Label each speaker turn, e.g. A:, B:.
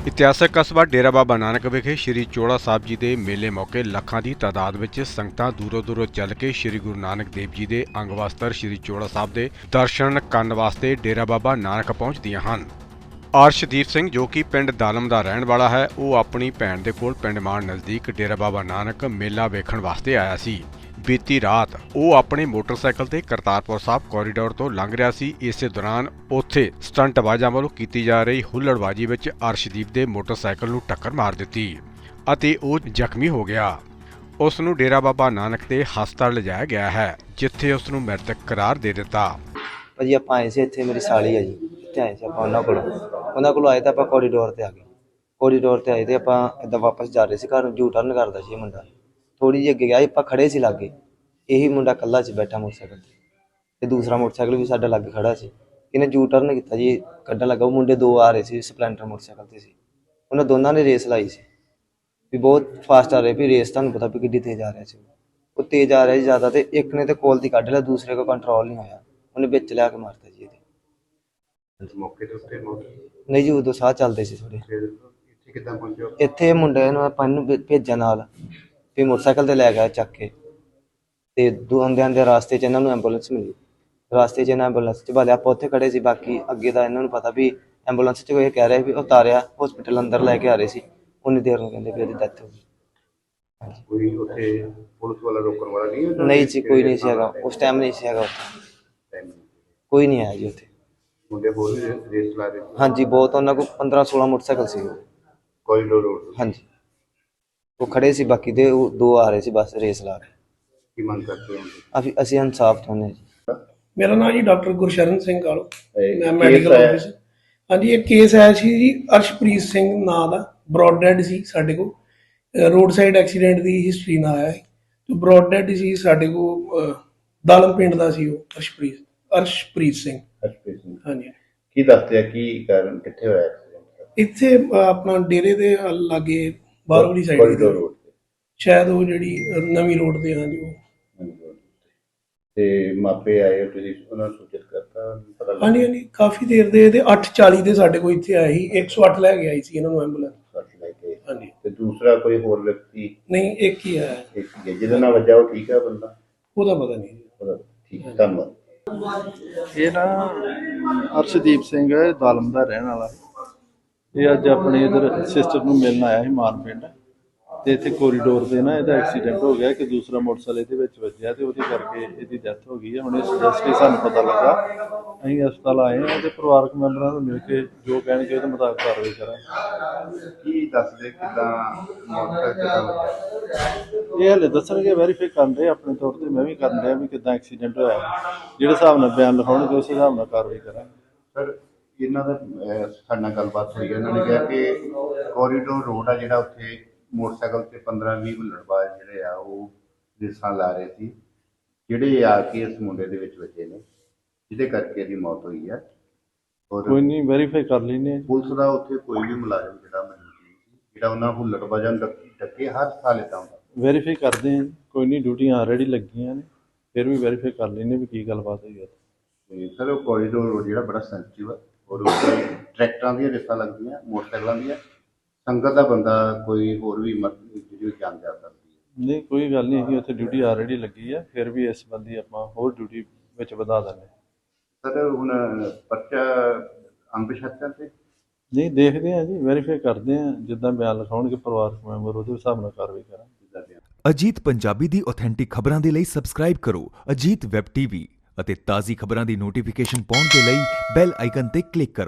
A: ਇਤਿਹਾਸਕ ਕਸਬਾ ਡੇਰਾ ਬਾਬਾ ਨਾਨਕ ਵਿਖੇ ਸ਼੍ਰੀ ਚੋੜਾ ਸਾਹਿਬ ਜੀ ਦੇ ਮੇਲੇ ਮੌਕੇ ਲੱਖਾਂ ਦੀ ਤਾਦਾਦ ਵਿੱਚ ਸੰਗਤਾਂ ਦੂਰੋਂ ਚੱਲ ਕੇ ਸ਼੍ਰੀ ਗੁਰੂ ਨਾਨਕ ਦੇਵ ਜੀ ਦੇ ਅੰਗ ਵਸਤਰ ਸ਼੍ਰੀ ਚੋੜਾ ਸਾਹਿਬ ਦੇ ਦਰਸ਼ਨ ਕਰਨ ਵਾਸਤੇ ਡੇਰਾ ਬਾਬਾ ਨਾਨਕ ਪਹੁੰਚਦੀਆਂ ਹਨ। ਅਰਸ਼ਦੀਪ ਸਿੰਘ ਜੋ ਕਿ ਪਿੰਡ ਦਾਲਮ ਦਾ ਰਹਿਣ ਵਾਲਾ ਹੈ, ਉਹ ਆਪਣੀ ਭੈਣ ਦੇ ਕੋਲ ਪਿੰਡ ਮਾਨ ਨਜ਼ਦੀਕ ਡੇਰਾ ਬਾਬਾ ਨਾਨਕ ਮੇਲਾ ਵੇਖਣ ਵਾਸਤੇ ਆਇਆ ਸੀ। ਬੀਤੀ ਰਾਤ ਉਹ ਆਪਣੇ ਮੋਟਰਸਾਈਕਲ ਤੇ ਕਰਤਾਰਪੁਰ ਸਾਹਿਬ ਕੋਰੀਡੋਰ ਤੋਂ ਲੰਘ ਰਿਹਾ ਸੀ। ਇਸੇ ਦੌਰਾਨ ਉੱਥੇ ਸਟੰਟਬਾਜ਼ਾਂ ਵੱਲੋਂ ਕੀਤੀ ਜਾ ਰਹੀ ਹੁੱਲੜਬਾਜ਼ੀ ਵਿੱਚ ਅਰਸ਼ਦੀਪ ਦੇ ਮੋਟਰਸਾਈਕਲ ਨੂੰ ਟੱਕਰ ਮਾਰ ਦਿੱਤੀ ਅਤੇ ਉਹ ਜ਼ਖਮੀ ਹੋ ਗਿਆ। ਉਸ ਨੂੰ ਡੇਰਾ ਬਾਬਾ ਨਾਨਕ ਦੇ ਹਸਪਤਾਲ ਲਿਜਾਇਆ ਗਿਆ ਹੈ, ਜਿੱਥੇ ਉਸ ਨੂੰ ਮ੍ਰਿਤਕ ਕਰਾਰ ਦੇ ਦਿੱਤਾ।
B: ਭਾਜੀ ਆਪਾਂ ਆਏ ਸੀ ਇੱਥੇ, ਮੇਰੀ ਸਾਲੀ ਆ ਜੀ, ਇੱਥੇ ਆਏ ਸੀ ਆਪਾਂ ਉਹਨਾਂ ਕੋਲ ਆਏ ਤਾਂ ਆਪਾਂ ਕੋਰੀਡੋਰ ਤੇ ਆ ਗਏ। ਕੋਰੀਡੋਰ ਤੇ ਆਏ ਤੇ ਆਪਾਂ ਇੱਦਾਂ ਵਾਪਸ ਜਾ ਰਹੇ ਸੀ ਘਰ ਨੂੰ, ਯੂ ਟਰਨ ਕਰਦਾ ਸੀ ਇਹ ਮੁੰਡਾ। ਥੋੜੀ ਜਿਹੀ ਅੱਗੇ ਗਿਆ, ਆਪਾਂ ਖੜੇ ਸੀ ਲਾਗੇ, ਇਹੀ ਮੁੰਡਾ ਇਕੱਲਾ ਸੀ ਬੈਠਾ ਮੋਟਰਸਾਈਕਲ ਤੇ ਦੂਸਰਾ ਮੋਟਰਸਾਈਕਲ ਵੀ ਸਾਡੇ ਲਾਗੇ ਖੜਾ ਸੀ। ਇਹਨੇ ਯੂ ਟਰਨ ਕੀਤਾ ਜੀ, ਕੱਢਣ ਲੱਗਾ। ਉਹ ਮੁੰਡੇ ਦੋ ਆ ਰਹੇ ਸੀ, ਸਪਲੈਂਡਰ ਮੋਟਰਸਾਈਕਲ ਤੇ ਸੀ। ਉਹਨਾਂ ਦੋਨਾਂ ਨੇ ਰੇਸ ਲਾਈ ਸੀ ਵੀ ਬਹੁਤ ਫਾਸਟ ਆ ਰਹੇ, ਵੀ ਰੇਸ ਤੁਹਾਨੂੰ ਪਤਾ ਵੀ ਕਿੱਡੀ ਤੇਜ਼ ਆ ਰਿਹਾ ਸੀ। ਉਹ ਤੇਜ਼ ਆ ਰਿਹਾ ਸੀ ਜ਼ਿਆਦਾ, ਤੇ ਇੱਕ ਨੇ ਤੇ ਕੋਲ ਦੀ ਕੱਢ ਲਿਆ, ਦੂਸਰੇ ਕੋ ਕੰਟਰੋਲ ਨਹੀਂ ਹੋਇਆ, ਉਹਨੇ ਵਿੱਚ ਲਿਆ ਕੇ ਮਾਰਤਾ ਜੀ ਇਹਦੇ।
C: ਮੌਕੇ ਦੇ ਉੱਤੇ ਮੌਤ
B: ਨਹੀਂ ਜੀ, ਉਦੋਂ ਸਾਹ ਚੱਲਦੇ ਸੀ ਥੋੜੇ।
C: ਇੱਥੇ ਕਿੱਦਾਂ ਪਹੁੰਚਿਆ?
B: ਇੱਥੇ ਮੁੰਡੇ ਨੂੰ ਆਪਾਂ ਨੂੰ ਭੇਜਿਆ ਨਾਲ, ਤੇ ਮੋਟਰਸਾਈਕਲ ਤੇ ਲੈ ਗਿਆ ਚੱਕ ਕੇ, ਤੇ ਆਉਂਦੇ ਰਾਸਤੇ 'ਚ ਇਹਨਾਂ ਨੂੰ ਐਂਬੂਲੈਂਸ ਮਿਲੀ। ਰਾਸਤੇ 'ਚ ਇਹਨਾਂ ਐਂਬੂਲੈਂਸ 'ਚ ਬਾਲੇ ਆਪਾਂ ਉੱਥੇ ਖੜੇ ਸੀ। ਬਾਕੀ ਅੱਗੇ ਦਾ ਇਹਨਾਂ ਨੂੰ ਪਤਾ ਵੀ ਐਂਬੂਲੈਂਸ 'ਚ ਕੋਈ ਕਹਿ ਰਿਹਾ ਵੀ ਉਤਾਰਿਆ, ਹਸਪੀਟਲ ਅੰਦਰ ਲੈ ਕੇ ਆ ਰਹੇ ਸੀ। ਉਨੀ ਦੇਰ ਨੂੰ ਕਹਿੰਦੇ ਵੀ ਉਹਦੀ ਡੈਥ ਹੋ ਗਈ। ਹਾਂਜੀ,
C: ਕੋਈ ਉੱਥੇ ਪੁਲਿਸ ਵਾਲਾ ਰੋਕਣ ਵਾਲਾ ਨਹੀਂ?
B: ਨਹੀਂ ਜੀ, ਕੋਈ ਨਹੀਂ ਸੀ ਹੈਗਾ ਉਸ ਟਾਈਮ, ਨਹੀਂ ਸੀ ਹੈਗਾ ਉੱਥੇ, ਕੋਈ ਨਹੀਂ ਆਇਆ ਜੀ ਉੱਥੇ।
C: ਮੁੰਡੇ ਹੋਰ ਵੀ ਰੇਸ ਲਾ ਰਹੇ ਸੀ?
B: ਹਾਂਜੀ, ਬਹੁਤ, ਉਹਨਾਂ ਕੋਲ 15-16 ਮੋਟਰਸਾਈਕਲ ਸੀ
C: ਕੋਰੀਡੋਰ ਰੋਡ।
B: ਹਾਂਜੀ, ਉਹ ਖੜੇ ਸੀ, ਬਾਕੀ ਦੇ ਉਹ ਦੋ ਆ ਰਹੇ ਸੀ ਬਸ ਰੇਸ ਲਾ ਕੇ।
C: ਕੀ ਮੰਗ ਕਰਦੇ ਹੋ?
B: ਅਸੀਂ ਇਨਸਾਫ ਚਾਹੁੰਦੇ ਜੀ।
D: ਮੇਰਾ ਨਾਮ ਜੀ ਡਾਕਟਰ ਗੁਰਸ਼ਰਨ ਸਿੰਘ ਕਾਲੋ, ਮੈਂ ਮੈਡੀਕਲ ਆਫਿਸਰ। ਹਾਂਜੀ, ਇਹ ਕੇਸ ਆਇਆ ਸੀ ਜੀ, ਅਰਸ਼ਪ੍ਰੀਤ ਸਿੰਘ ਨਾਂ ਦਾ, ਬ੍ਰੌਡ ਡੈਡ ਸੀ ਸਾਡੇ ਕੋਲ। ਰੋਡ ਸਾਈਡ ਐਕਸੀਡੈਂਟ ਦੀ ਹਿਸਟਰੀ ਨਾਲ ਆਇਆ ਸੀ, ਤੇ ਬ੍ਰੌਡ ਡੈਡ ਸੀ ਸਾਡੇ ਕੋਲ। ਦਾਲਮ ਪਿੰਡ ਦਾ ਸੀ ਉਹ, ਅਰਸ਼ਪ੍ਰੀਤ ਸਿੰਘ। ਹਾਂਜੀ,
C: ਕੀ ਦੱਸਦੇ ਆ ਕੀ ਕਾਰਨ, ਕਿੱਥੇ ਹੋਇਆ ਐਕਸੀਡੈਂਟ?
D: ਇੱਥੇ ਆਪਣਾ ਡੇਰੇ ਦੇ ਲਾਗੇ ਬਾਹਰਲੀ ਸਾਈਡ
C: ਕੋਰੀਡੋਰ ਰੋਡ ਤੇ
D: ਸ਼ਾਇਦ, ਉਹ ਜਿਹੜੀ ਨਵੀਂ ਰੋਡ ਤੇ। ਹਾਂਜੀ, ਉਹ
C: ਤੇ ਮਾਪੇ ਆਏ, ਤੁਸੀਂ ਉਹਨਾਂ ਨੂੰ ਸੂਚਿਤ ਕਰਤਾ? ਪਤਾ ਲੱਗਾ?
D: ਹਾਂਜੀ, ਕਾਫੀ ਦੇਰ ਦੇ, ਤੇ 8:40 ਦੇ ਸਾਡੇ ਕੋਲ ਇੱਥੇ ਆਏ ਸੀ। 108 ਲੈ ਕੇ ਆਈ ਸੀ ਇਹਨਾਂ ਨੂੰ ਐਂਬੂਲੈਂਸ।
C: ਲੈ ਕੇ?
D: ਹਾਂਜੀ,
C: ਤੇ ਦੂਸਰਾ ਕੋਈ ਹੋਰ ਵਿਅਕਤੀ?
D: ਨਹੀਂ, ਇੱਕ ਹੀ ਆਇਆ।
C: ਇੱਕ ਹੀ ਹੈ ਜਿਹਦੇ ਨਾਲ ਵੱਜਾ, ਉਹ ਠੀਕ ਹੈ ਬੰਦਾ?
D: ਉਹਦਾ ਪਤਾ ਨਹੀਂ।
C: ਉਹਦਾ ਠੀਕ ਹੈ, ਧੰਨਵਾਦ।
E: ਇਹ ਨਾ ਅਰਸ਼ਦੀਪ ਸਿੰਘ ਦਾਲਮ ਦਾ ਰਹਿਣ ਵਾਲਾ। ਇਹ ਅੱਜ ਆਪਣੇ ਇਧਰ ਸਿਸਟਰ ਨੂੰ ਮਿਲਣ ਆਇਆ ਸੀ ਮਾਨ ਪਿੰਡ, ਤੇ ਇੱਥੇ ਕੋਰੀਡੋਰ ਤੇ ਨਾ ਇਹਦਾ ਐਕਸੀਡੈਂਟ ਹੋ ਗਿਆ ਕਿ ਦੂਸਰਾ ਮੋਟਰਸਾਈਕਲ ਇਹਦੇ ਵਿੱਚ ਵੱਜਿਆ, ਤੇ ਉਹਦੇ ਕਰਕੇ ਇਹਦੀ ਡੈਥ ਹੋ ਗਈ ਹੈ। ਹੁਣ ਇਸ ਜਸਟ ਸਾਨੂੰ ਪਤਾ ਲੱਗਾ, ਅਸੀਂ ਹਸਪਤਾਲ ਆਏ ਹਾਂ ਤੇ ਪਰਿਵਾਰਕ ਮੈਂਬਰਾਂ ਨੂੰ ਮਿਲ ਕੇ ਜੋ ਕਹਿਣਗੇ ਉਹਦੇ ਮੁਤਾਬਕ ਕਾਰਵਾਈ ਕਰਾਂਗੇ।
C: ਕੀ ਦੱਸਦੇ ਕਿੱਦਾਂ ਮੌਤ ਕਿੱਦਾਂ ਹੋਇਆ?
E: ਇਹ ਹਲੇ ਦੱਸਣਗੇ, ਵੈਰੀਫਾਈ ਕਰਨ ਰਹੇ ਆਪਣੇ ਤੌਰ ਤੇ, ਮੈਂ ਵੀ ਕਰਨ ਰਿਹਾ ਵੀ ਕਿੱਦਾਂ ਐਕਸੀਡੈਂਟ ਹੋਇਆ। ਜਿਹੜੇ ਹਿਸਾਬ ਨਾਲ ਬਿਆਨ ਲਿਖਾਉਣਗੇ ਉਸ ਹਿਸਾਬ ਨਾਲ ਕਾਰਵਾਈ ਕਰਾਂਗੇ।
C: ਸਰ, ਇਹਨਾਂ ਦਾ ਸਾਡੇ ਨਾਲ ਗੱਲਬਾਤ ਹੋਈ ਹੈ, ਇਹਨਾਂ ਨੇ ਕਿਹਾ ਕਿ ਕੋਰੀਡੋਰ ਰੋਡ ਆ ਜਿਹੜਾ, ਉੱਥੇ ਮੋਟਰਸਾਈਕਲ ਤੇ 15-20 ਹੁੱਲੜਬਾਜ਼ ਜਿਹੜੇ ਆ ਉਹ ਰੇਸਾਂ ਲਾ ਰਹੇ ਸੀ, ਜਿਹੜੇ ਆ ਕੇ ਇਸ ਮੁੰਡੇ ਦੇ ਵਿੱਚ ਵੱਜੇ ਨੇ, ਜਿਹਦੇ ਕਰਕੇ ਇਹਦੀ ਮੌਤ ਹੋਈ ਹੈ। ਔਰ
E: ਕੋਈ ਨਹੀਂ, ਵੈਰੀਫਾਈ ਕਰ ਲੈਂਦੇ ਹਾਂ।
C: ਪੁਲਿਸ ਦਾ ਉੱਥੇ ਕੋਈ ਵੀ ਮੁਲਾਜ਼ਮ ਜਿਹੜਾ ਜਿਹੜਾ ਉਹਨਾਂ ਹੁੱਲੜਬਾਜ਼ਾਂ ਨੂੰ ਡੱਕੇ ਹਰ ਸਾਲ ਏਦਾਂ ਹੁੰਦਾ?
E: ਵੈਰੀਫਾਈ ਕਰਦੇ ਹਾਂ, ਕੋਈ ਨਹੀਂ, ਡਿਊਟੀਆਂ ਆਲਰੇਡੀ ਲੱਗੀਆਂ ਨੇ, ਫਿਰ ਵੀ ਵੈਰੀਫਾਈ ਕਰ ਲੈਂਦੇ ਵੀ ਕੀ ਗੱਲਬਾਤ ਹੋਈ ਹੈ।
C: ਤੇ ਸਰ, ਉਹ ਕੋਰੀਡੋਰ ਰੋਡ ਜਿਹੜਾ ਬੜਾ ਸੈਂਸਿਟਿਵ ਆ, ਔਰ ਉੱਥੇ ਟਰੈਕਟਰਾਂ ਦੀਆਂ ਰੇਸਾਂ ਲੱਗਦੀਆਂ, ਮੋਟਰਸਾਈਕਲਾਂ ਦੀਆਂ, ਸੰਗਤ ਦਾ ਬੰਦਾ ਕੋਈ ਹੋਰ ਵੀ ਜਿਹੜੀ ਜਾਨ ਜਾ ਸਕਦੀ ਹੈ।
E: ਨਹੀਂ, ਕੋਈ ਗੱਲ ਨਹੀਂ, ਅਸੀਂ ਉੱਥੇ ਡਿਊਟੀ ਆਲਰੇਡੀ ਲੱਗੀ ਆ, ਫਿਰ ਵੀ ਇਸ ਸੰਬੰਧੀ ਆਪਾਂ ਹੋਰ ਡਿਊਟੀ ਵਿੱਚ ਵਧਾ ਦਿੰਦੇ।
C: ਸਰ, ਹੁਣ ਪਰਚਾ ਅੰਬਸ਼ਤਨ ਤੇ
E: ਨਹੀਂ, ਦੇਖਦੇ ਹਾਂ ਜੀ, ਵੈਰੀਫਾਈ ਕਰਦੇ ਹਾਂ, ਜਿੱਦਾਂ ਬਿਆਨ ਲਿਖਾਉਣਗੇ ਪਰਿਵਾਰਕ ਮੈਂਬਰ ਉਹਦੇ ਹਿਸਾਬ ਨਾਲ ਕਾਰਵਾਈ ਕਰਾਂਗੇ।
F: ਅਜੀਤ ਪੰਜਾਬੀ ਦੀ ਆਥੈਂਟਿਕ ਖਬਰਾਂ ਦੇ ਲਈ ਸਬਸਕ੍ਰਾਈਬ ਕਰੋ ਅਜੀਤ ਵੈਬ ਟੀਵੀ ਅਤੇ ਤਾਜ਼ੀ ਖਬਰਾਂ ਦੀ ਨੋਟੀਫਿਕੇਸ਼ਨ ਪਾਉਣ ਦੇ ਲਈ ਬੈਲ ਆਈਕਨ ਤੇ ਕਲਿੱਕ ਕਰੋ।